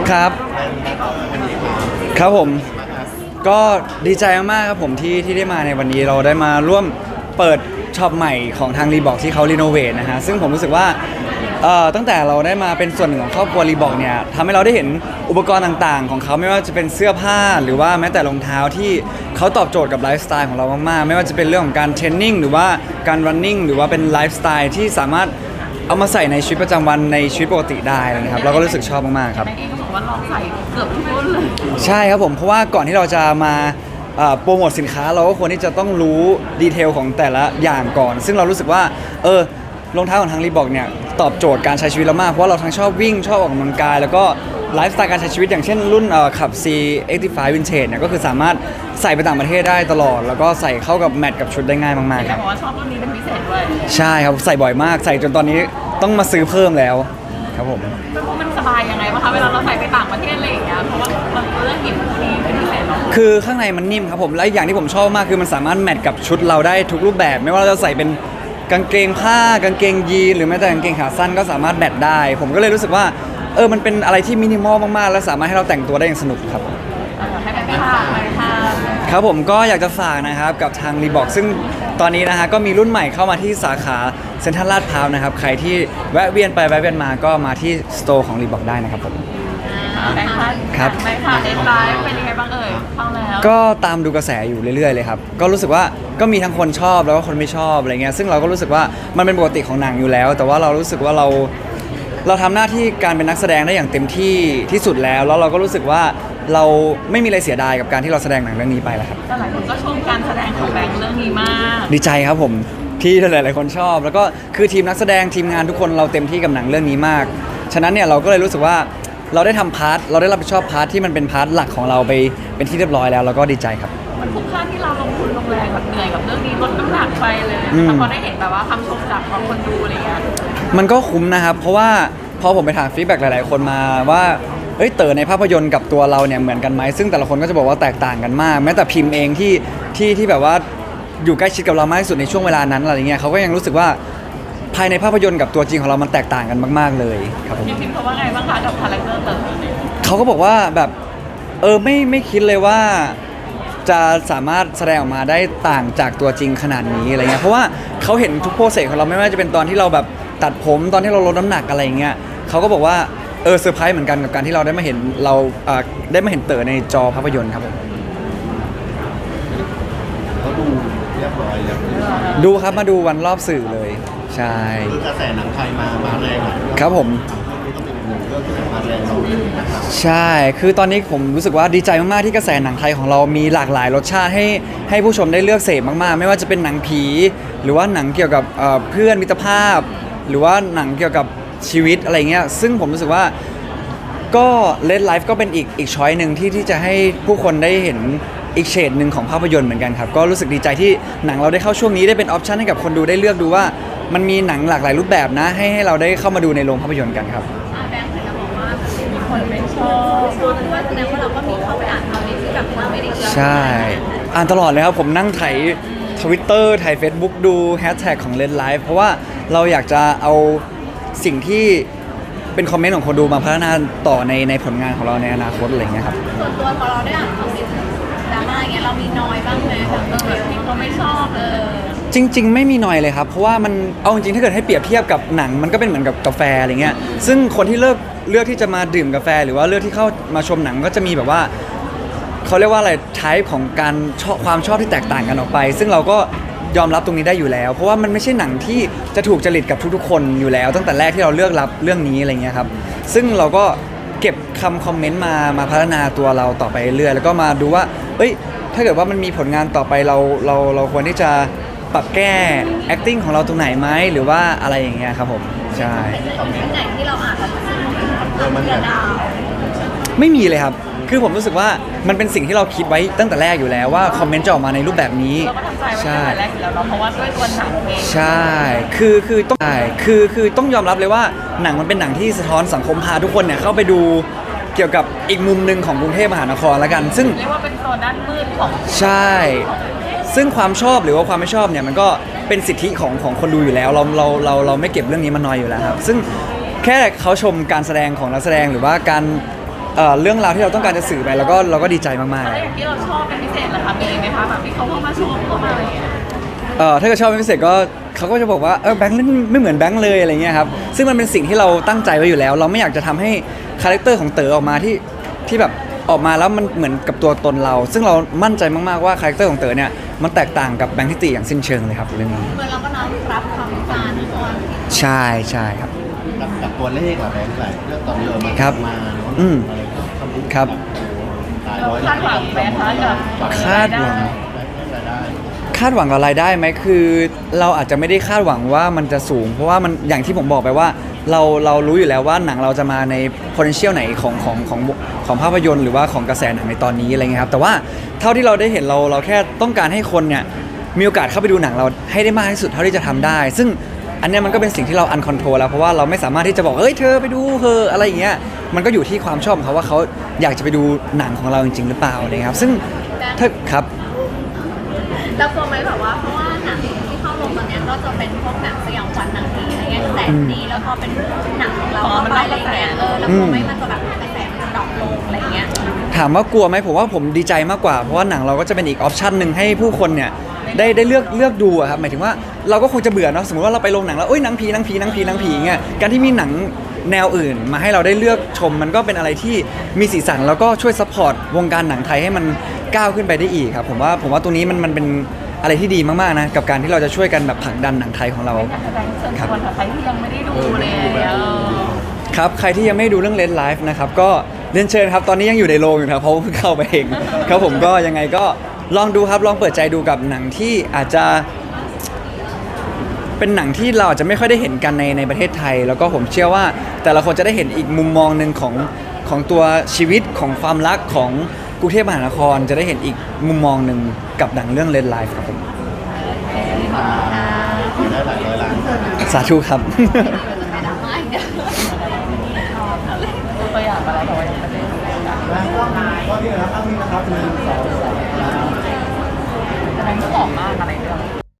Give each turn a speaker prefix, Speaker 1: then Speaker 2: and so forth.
Speaker 1: ครับครับผมก็ดีใจมากๆครับผมที่ได้มาในวันนี้เราได้มาร่วมเปิดช็อปใหม่ของทางรีบอกที่เขารีโนเวทนะฮะซึ่งผมรู้สึกว่าตั้งแต่เราได้มาเป็นส่วนหนึ่งของครอบครัวรีบอกเนี่ยทำให้เราได้เห็นอุปกรณ์ต่างๆของเขาไม่ว่าจะเป็นเสื้อผ้าหรือว่าแม้แต่รองเท้าที่เขาตอบโจทย์กับไลฟ์สไตล์ของเรามากๆไม่ว่าจะเป็นเรื่องของการเทรนนิ่งหรือว่าการรันนิ่งหรือว่าเป็นไลฟ์สไตล์ที่สามารถเอามาใส่ในชีวิตประจำวันในชีวิตปกติได้นะครับเราก็รู้สึกชอบมากๆครับ
Speaker 2: แม่เองก็บอกว่าลองใส่เกือบทุกรุ่นเลย
Speaker 1: ใช่ครับผมเพราะว่าก่อนที่เราจะมาโปรโมทสินค้าเราก็ควรที่จะต้องรู้ดีเทลของแต่ละอย่างก่อน ซึ่งเรารู้สึกว่ารองเท้าของทางรีบอกเนี่ยตอบโจทย์การใช้ชีวิตเรามากเพราะเราทั้งชอบวิ่งชอบออกกำลังกายแล้วก็ไลฟ์สไตล์การใช้ชีวิตอย่างเช่นรุ่นขับ C85 Vintage เนี่ยก็คือสามารถใส่ไปต่างประเทศได้ตลอดแล้วก็ใส่เข้ากับแมทกับชุดได้ง่ายมากๆค
Speaker 2: แต่
Speaker 1: รับ
Speaker 2: บอกว่าชอบรุ่นนี้เป็นพิเศษด้วย
Speaker 1: ใช่ครับใส่บ่อยมากใส่จนตอนนี้ต้องมาซื้อเพิ่มแล้วครับผม
Speaker 2: ไม่รู้มันสบายยังไงบ้างคะเวลาเราใส่ไปต่างประเทศอะไรอย่างเงี้ยเพราะว่าเราเลือกหยิบคู่นี้เป็นพิเศษเนาะ
Speaker 1: คือข้างในมันนิ่มครับผมและอีกอย่างที่ผมชอบมากคือมันสามารถแมทกับชุดเราได้ทุกรูปแบบไม่ว่าเราจะใส่เป็นกางเกงผ้ากางเกงยีนหรือแม้แต่กางเกงขาสั้นก็สามารถแมทได้ผมก็เลยรู้สึกว่ามันเป็นอะไรที่มินิมอลมากๆและสามารถให้เราแต่งตัวได้อย่างสนุกครับ
Speaker 2: ให้แม่ไปทานไปทาน
Speaker 1: ครับผมก็อยากจะฝากนะครับกับทางรีบอกซึ่งตอนนี้นะฮะก็มีรุ่นใหม่เข้ามาที่สาขาเซ็นทรัลลาดพร้าวนะครับใครที่แวะเวียนไปแวะเวียนมาก็มาที่สโตร์ของรีบอกได้นะครับผม
Speaker 2: แบงค์พัน
Speaker 1: ครับ
Speaker 2: แบงค์พันเอ็นไลฟ์เป็นยังไงบ้างเอ่ยเข้าแล้ว
Speaker 1: ก็ตามดูกระแสอยู่เรื่อยๆเลยครับก็รู้สึกว่าก็มีทั้งคนชอบแล้วก็คนไม่ชอบอะไรเงี้ยซึ่งเราก็รู้สึกว่ามันเป็นปกติของหนังอยู่แล้ว แต่ว่าเรารู้สึกว่าเราทำหน้าที่การเป็นนักแสดงได้อย่างเต็มที่ที่สุดแล้วเราก็รู้สึกว่าเราไม่มีอะไรเสียดายกับการที่เราแสดงหนังเรื่องนี้ไปแล้วครับ
Speaker 2: แต่หลายคนก็ชมการแสดงของแบงค์เรื่องนี้มาก
Speaker 1: ดีใจครับผมที่หลายๆคนชอบ แล้วก็คือทีมนักแสดงทีมงานทุกคนเราเต็มที่กับหนังเรื่องนี้มาก ฉะนั้นเนี่ยเราก็เลยรู้สึกว่าเราได้ทำพาร์ทเราได้รับผิดชอบพาร์ทที่มันเป็นพาร์ทหลักของเราไปเป็นที่เรียบร้อยแล้วเราก็ดีใจครับ
Speaker 2: มันคุ้มค่าที่เราลงทุนลงแรงแบบเหนื่อยกับเรื่องนี้ลดน้ำหนักไปเลยแต่พอได้เห็นแบบว่าคำชมจากคนดูอะไรเงี้ย
Speaker 1: มันก็คุ้มนะครับเพราะว่าพอผมไปถามฟีดแบ็กหลายๆคนมาว่าเต๋อในภาพยนตร์กับตัวเราเนี่ยเหมือนกันไหมซึ่งแต่ละคนก็จะบอกว่าแตกต่างกันมากแม้แต่พิมพ์เองที่แบบว่าอยู่ใกล้ชิดกับเรามากที่สุดในช่วงเวลานั้นอะไรเงี้ยเขาก็ยังรู้สึกว่าภายในภาพยนตร์กับตัวจริงของเรามันแตกต่างกันมากๆเลยครับผม
Speaker 2: พี่พิมพ์เขาว่าไงบ้างคะกับคาแรคเตอร์เต๋อเนี่ย
Speaker 1: เขาก็บอกว่าแบบไม่คิดเลยว่าจะสามารถแสดงออกมาได้ต่างจากตัวจริงขนาดนี้อะไรเงี้ยเพราะว่าเขาเห็นทุกโปรเซสของเราไม่ว่าจะเป็นตอนที่เราแบบตัดผมตอนที่เราลดน้ำหนักอะไรเงี้ยเขาก็บอกว่าเซอร์ไพรส์เหมือนกันกับการที่เราได้มาเห็นได้มาเห็นเต๋อในจอภาพยนตร์ครับผม
Speaker 3: เขาดูเรียบร้อยแล้ว
Speaker 1: ดูครับมาดูวันรอบสื่อเลยใช่
Speaker 3: คือกระแสหนังไทยมาแรงหลายเรื่อง
Speaker 1: ครับผม
Speaker 3: นี่ก็เป็นอีกหนึ่งเรื่องที่มาแรงเราเลยนะครับ
Speaker 1: ใช่ คือตอนนี้ผมรู้สึกว่าดีใจมากๆที่กระแสหนังไทยของเรามีหลากหลายรสชาติให้ผู้ชมได้เลือกเสพมากๆ ไม่ว่าจะเป็นหนังผี หรือว่าหนังเกี่ยวกับเพื่อนมิตรภาพ หรือว่าหนังเกี่ยวกับชีวิตอะไรเงี้ย ซึ่งผมรู้สึกว่าก็เลดไลฟ์ก็เป็นอีกช้อยหนึ่งที่จะให้ผู้คนได้เห็นอีกเฉดหนึ่งของภาพยนตร์เหมือนกันครับ ก็รู้สึกดีใจที่หนังเราได้เข้าช่วงนี้ได้เป็นออปชันให้กับคนดูได้เลือกดูว่ามันมีหนังหลากหลายรูปแบบนะให้เราได้เข้ามาดูในโรงภาพยนตร์กันครับ
Speaker 2: แบงค์เคยจะบอกว่ามีคนไม่ชอบด้วยแสดงว่าเราก็มีเข้าไปอ่านคอมเมนต์ที่แบบเราไม่ได้เกี่ยว
Speaker 1: ใช่ อ่านตลอดเลยครับ ผมนั่งไถ Twitter ไถ Facebook ดูแฮชแท็กของ Red Life เพราะว่าเราอยากจะเอาสิ่งที่เป็นคอมเมนต์ของคนดูมาพัฒนาต่อในผลงานของเราในอนาคตอะไรอย่างเงี้ยครับ
Speaker 2: ส่วนตัวพอเราได้อ่านคอมเมนต์ดราม่าอย่างเงี้ยเรามีน้อยบ้างไหมแบบที่เขาไม่ชอบ
Speaker 1: จริง ๆ ไม่มีหน่อยเลยครับ เพราะว่ามันเอาจริงๆถ้าเกิดให้เปรียบเทียบกับหนังมันก็เป็นเหมือนกับกาแฟอะไรเงี้ยซึ่งคนที่เลือกที่จะมาดื่มกาแฟหรือว่าเลือกที่เข้ามาชมหนังก็จะมีแบบว่าเขาเรียกว่าอะไรไทป์ของการชอบความชอบที่แตกต่างกันออกไป ซึ่งเราก็ยอมรับตรงนี้ได้อยู่แล้ว เพราะว่ามันไม่ใช่หนังที่จะถูกจริตกับทุกๆคนอยู่แล้ว ตั้งแต่แรกที่เราเลือกรับเรื่องนี้อะไรเงี้ยครับซึ่งเราก็เก็บคำคอมเมนต์มาพัฒนาตัวเราต่อไปเรื่อยๆแล้วก็มาดูว่าถ้าเกิดว่ามันมีผลงานต่อไปเราควรที่จะปรับแก้ acting ของเราตรงไหนไหมหรือว่าอะไรอย่างเงี้ยครับผมใช่
Speaker 2: คอมเมนต์ไหนที่เราอ่านแล้วมัน
Speaker 3: มันแบบ
Speaker 1: ไม่มีเลยครับ คือผมรู้สึกว่ามันเป็นสิ่งที่เราคิดไว้ตั้งแต่แรกอยู่แล้วว่าคอมเมนต์จะออกมาในรูปแบบนี้
Speaker 2: เราก็ทำใจไว้ตั้งแต่แรกอยู่แล้วเนาะเพราะว่าด้วยตัวหนังเอง
Speaker 1: ใช่คือต้องยอมรับเลยว่าหนังมันเป็นหนังที่สะท้อนสังคมพาทุกคนเนี่ยเข้าไปดูเกี่ยวกับอีกมุมหนึ่งของกรุงเทพมหานครแล้วกัน ซึ่ง
Speaker 2: เรียกว่าเป็นตัวด้านมืดของ
Speaker 1: ใช่ ซึ่งความชอบหรือว่าความไม่ชอบเนี่ยมันก็เป็นสิทธิของคนดูอยู่แล้วเราไม่เก็บเรื่องนี้มาน้อยอยู่แล้วครับซึ่งแค่เขาชมการแสดงของนักแสดงหรือว่าการเรื่องราวที่เราต้องการจะสื่อไปแล้วก็เราก็ดีใจมากๆ
Speaker 2: อะไรอย่างที่เราชอบเป็นพิเศษเหรอคะมีไหมคะแบบที่เขาเข้ามาชมเข้ามาอะไรอย่างเงี้ย
Speaker 1: ถ้าเกิดชอบเป็นพิเศษก็เขาก็จะบอกว่าแบงค์เล่นไม่เหมือนแบงค์เลยอะไรเงี้ยครับซึ่งมันเป็นสิ่งที่เราตั้งใจไว้อยู่แล้ว เราไม่อยากจะทำให้คาแรคเตอร์ของเต๋อออกมาที่แบบออกมาแล้วมันเหมือนกับตัวตนเรา ซึ่งเรามั่นใจมากๆว่าคาแรคเตอร์ของเต๋อเนี่ยมันแตกต่างกับแบงค์ทิติอย่างสิ้นเชิงเลยครับเรื่องนี้
Speaker 2: เหมือนเราก็น้อมรับความวิจารณ์ก่อน
Speaker 1: ใช่ครับ
Speaker 3: กับตัวเลขอะแบงค์หลายเรื่องตอนนี้มา
Speaker 1: ครับ
Speaker 3: มาเนอะ
Speaker 1: อืม
Speaker 3: อะไรก็ทำบุญ
Speaker 1: ครับ
Speaker 3: หลาย
Speaker 2: เรา
Speaker 3: ร้อย
Speaker 2: คาดหวังไหมคะกับ
Speaker 1: คาดหวัง
Speaker 3: รายได้
Speaker 1: คาดหวังกับรายได้ไหมคือเราอาจจะไม่ได้คาดหวังว่ามันจะสูง เพราะว่ามันอย่างที่ผมบอกไปว่าเรารู้อยู่แล้วว่าหนังเราจะมาใน potential ไหนของภาพยนตร์หรือว่าของกระแสหนังในตอนนี้อะไรเงี้ยครับแต่ว่าเท่าที่เราได้เห็นเราแค่ต้องการให้คนเนี่ยมีโอกาสเข้าไปดูหนังเราให้ได้มากที่สุดเท่าที่จะทำได้ ซึ่งอันเนี้ยมันก็เป็นสิ่งที่เราอันคอนโทรลแล้วเพราะว่าเราไม่สามารถที่จะบอกเฮ้ยเธอไปดูเธออะไรอย่างเงี้ยมันก็อยู่ที่ความชอบของเขาว่าเขาอยากจะไปดูหนังของเราจริงๆหรือเปล่าอะไรเงี้ยครับซึ่งถ้าครับ
Speaker 2: แล้วกลัวไหมแบบว่าเพราะว่าหนังที่เข้าลงตอนเนี้ยก็จะเป็นพวกหนังสยองขวัญหนังผีอะไรเงี้ยแต่ดีแล้วพอเป็นหนังของเราเข้าไปอะไรเงี้ยแล้วกลัวไหมมันจะแบบกระแสมันจะดรอปลงอะไรเงี้ย
Speaker 1: ถามว่ากลัวไหมผมว่าผมดีใจมากกว่าเพราะว่าหนังเราก็จะเป็นอีกออปชันหนึ่งให้ผู้คนเนี่ยได้เลือกดูอะครับหมายถึงว่าเราก็คงจะเบื่อเนาะสมมติว่าเราไปโรงหนังแล้วหนังผีเงี้ยการที่มีหนังแนวอื่นมาให้เราได้เลือกชมมันก็เป็นอะไรที่มีสีสันแล้วก็ช่วยซัพพอร์ตวงการหนังไทยให้มันก้าวขึ้นไปได้อีกครับผมว่าตรงนี้มันเป็นอะไรที่ดีมากๆนะกับการที่เราจะช่วยกันแบบผลักดันหนังไทยของเรา
Speaker 2: แสดงเชิญชวนใครที่ยังไม่ได้ดูเลย
Speaker 1: ครับใครที่ยังไม่ดูเรื่อง Red Life นะครับก็เรียนเชิญครับตอนนี้ยังอยู่ในโรงอยู่ครับเพราะว่าเพิ่งเข้าไปเองครับผมก็ยังไงก็ลองดูครับลองเปิดใจดูกับหนังที่อาจจะเป็นหนังที่เราอาจจะไม่ค่อยได้เห็นกันในประเทศไทย แล้วก็ผมเชื่อว่าแต่ละคนจะได้เห็นอีกมุมมองหนึ่งของตัวชีวิตของความรักของกรุงเทพมหานครจะได้เห็นอีกมุมมองหนึ่งกับหนังเรื่อง Red Life ครับผม
Speaker 3: ได้หลายร้อยล้าน
Speaker 1: สาธุครับ
Speaker 2: ตัวอย่างอะไรของวันนี้ประเด็นแสดงที่ออกมากอะไรด้วย